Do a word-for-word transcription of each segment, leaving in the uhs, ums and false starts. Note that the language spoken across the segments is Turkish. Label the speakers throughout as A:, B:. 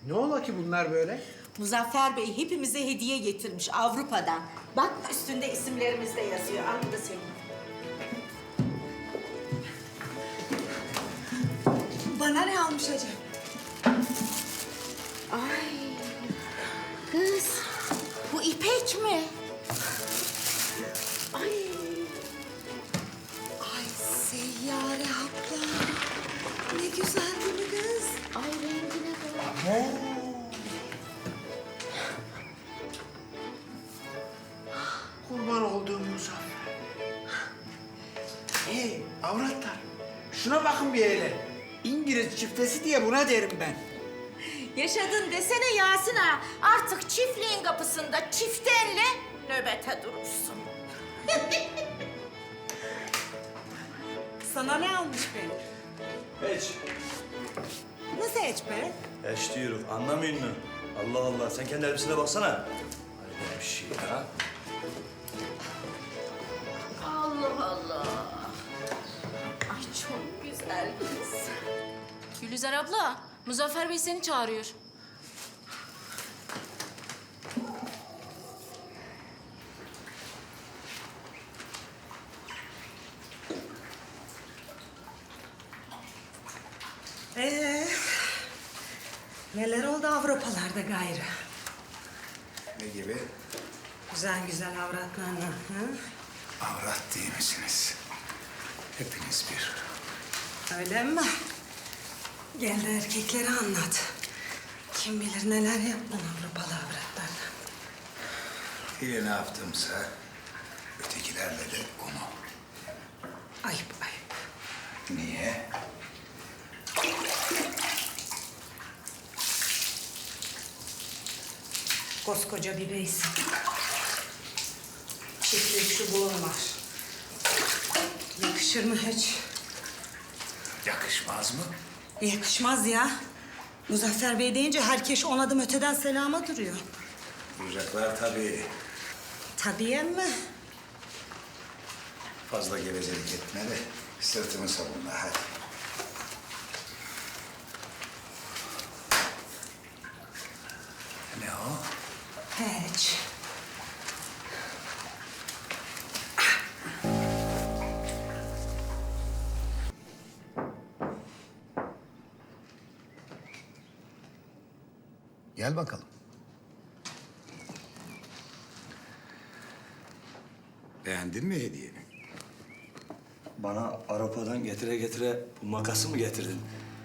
A: Ne ola ki bunlar böyle?
B: Muzaffer Bey hepimize hediye getirmiş Avrupa'dan. Bak üstünde isimlerimiz de yazıyor. Al bu da senin.
C: Bana ne almış acaba?
B: Ay kız bu İpek mi? Ay.
C: Ay Seyyare abla. Ne güzel değil mi kız?
B: Ay rengine bak.
A: Kurban olduğum Muzaffer. Hey avratlar, şuna bakın bir hele. İngiliz çiftesi diye buna derim ben.
B: Yaşadın desene Yasin ağa. Artık çiftliğin kapısında çiftenle nöbete durursun.
C: Sana ne almış be?
D: Hiç.
C: Nasıl hiç be?
D: Hiç diyorum. Anlamıyor musun? Allah Allah. Sen kendi elbisene baksana. Hayır bir şey ya.
B: Allah Allah. Ay çok güzel kız.
E: Gülizar abla, Muzaffer Bey seni çağırıyor.
C: Ee, neler oldu Avrupalarda gayrı?
F: Ne gibi?
C: Güzel güzel avratlarla. Hı?
F: Avrat değil misiniz? Hepiniz bir.
C: Öyle mi? Gel de erkeklere anlat. Kim bilir neler yaptın Avrupalı avratlarla.
F: Biri ne yaptımsa ötekilerle de onu.
C: Ayıp ayıp.
F: Niye?
C: Koskoca bir beysin. Çiftlik çubuğun var. Yakışır mı hiç?
F: Yakışmaz mı?
C: Yakışmaz ya. Muzaffer Bey deyince herkes on adım öteden selama duruyor.
F: Duracaklar tabii.
C: Tabii emmi.
F: Fazla gevezelik etme de sırtımı savunma hadi. Ne o?
C: Hiç.
F: Gel bakalım. Beğendin mi hediyeni?
D: Bana Avrupa'dan getire getire bu makası mı getirdin?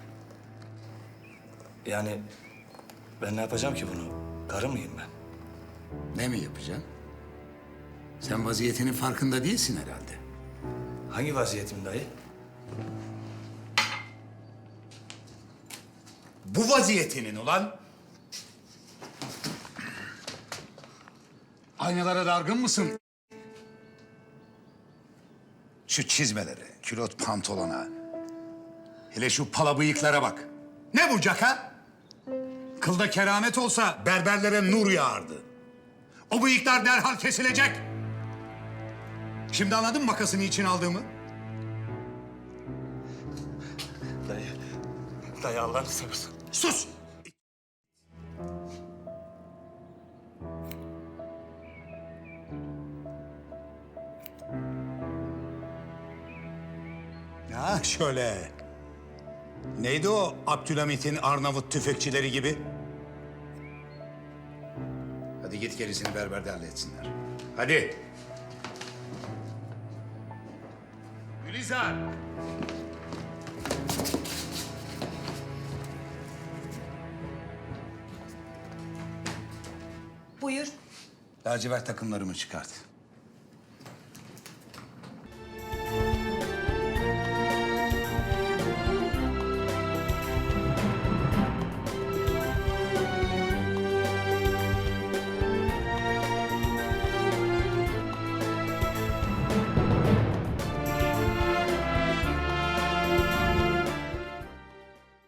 D: Yani ben ne yapacağım ki bunu? Karı mıyım ben?
F: Ne mi yapacaksın? Sen vaziyetinin farkında değilsin herhalde.
D: Hangi vaziyetim dayı?
F: Bu vaziyetinin ulan. Aynalara dargın mısın? Şu çizmelere, külot pantolona, hele şu pala bıyıklara bak. Ne bu caka? Kılda keramet olsa berberlere nur yağardı. O bıyıklar derhal kesilecek. Şimdi anladın mı makasını için aldığımı?
D: Dayı, dayı Allah'ını seversen.
F: Sus! Ya şöyle. Neydi o Abdülhamit'in Arnavut tüfekçileri gibi? Hadi git gerisini berberde halletsinler. Hadi. Gülizar.
C: Buyur.
F: Lacivert takımlarımı çıkart.